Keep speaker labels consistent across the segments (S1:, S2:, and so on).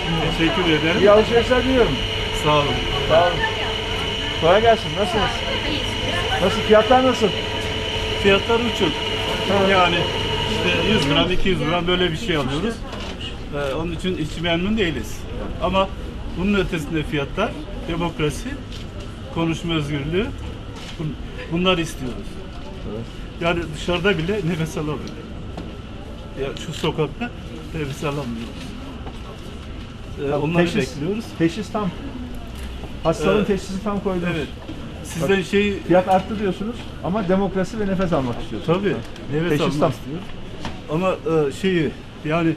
S1: Teşekkür ederim.
S2: İyi alışverişler diliyorum.
S1: Sağ olun.
S2: Sağ olun. Kolay gelsin. Nasılsınız? Nasıl? Fiyatlar nasıl?
S1: Fiyatlar uçuk. Yani işte 100 gram, 200 gram böyle bir şey alıyoruz. Onun için hiç memnun değiliz. Ama bunun ötesinde fiyatlar, demokrasi, konuşma özgürlüğü, bunlar istiyoruz. Yani dışarıda bile nefes alamıyoruz. Ya şu sokakta nefes alamıyoruz. Onları bekliyoruz.
S2: Teşhis tam. Hastalığın
S1: Evet.
S2: teşhisi tam koydunuz.
S1: Evet. Sizden şey
S2: Fiyat arttı diyorsunuz ama demokrasi ve nefes almak istiyorsunuz.
S1: tabii nefes
S2: Teşhis
S1: almak
S2: tam.
S1: istiyoruz. Ama şeyi yani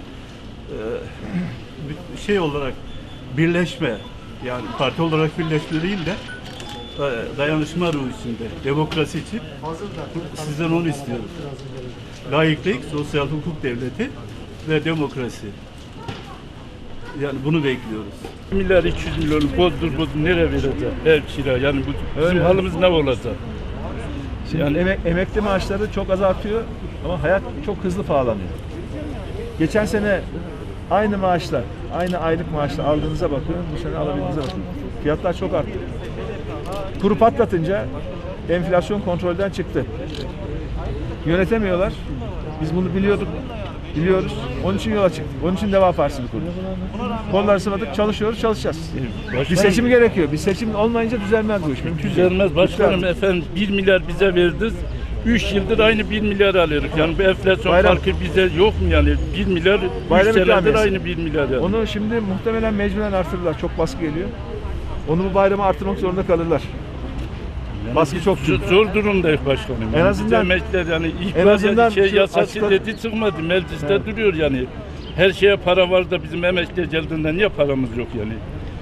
S1: şey olarak birleşme, yani parti olarak birleşme değil de dayanışma ruhu içinde, demokrasi için sizden onu istiyorum. Layıklık, sosyal hukuk devleti ve demokrasi. Yani bunu bekliyoruz.
S3: Milyar 200 milyonu bozdur nereye vereceğiz? Ev kira yani bizim
S2: Öyle.
S3: halimiz ne olacak?
S2: Yani emekli maaşları çok azaltıyor ama hayat çok hızlı pahalanıyor. Geçen sene aynı maaşlar, aynı aylık maaşla aldığınıza bakıyorum, bu sene alabildiğinize bakıyorum. Fiyatlar çok arttı. Kuru patlatınca enflasyon kontrolden çıktı. Yönetemiyorlar. Biz bunu biliyoruz. Onun için yola çıktık. Onun için Deva Partisi'ni kurduk. Kolları sıvadık, çalışacağız. Bir seçim gerekiyor. Bir seçim olmayınca düzelmez bu iş. Mümkün değil.
S3: Düzelmez başkanım efendim 1 milyar bize verdiniz. 3 yıldır aynı 1 milyar alıyoruz. Yani bu enflasyon
S2: Bayram.
S3: farkı bize yok mu yani? 1 milyar 3
S2: Bayram
S3: senedir
S2: ikramiyesi.
S3: aynı 1 milyar yani.
S2: Onu şimdi muhtemelen mecburen artırırlar. Çok baskı geliyor. Onu bu bayrama artırmak zorunda kalırlar. Baskı çok büyük.
S3: Zor durumdayız başkanım.
S2: En azından-
S3: emekliler yani
S2: en azından
S3: şey
S2: şu
S3: yasası
S2: açıkla-
S3: dedi çıkmadı. Mecliste duruyor yani. Her şeye para var da bizim emekliye geldiğinde niye paramız yok yani?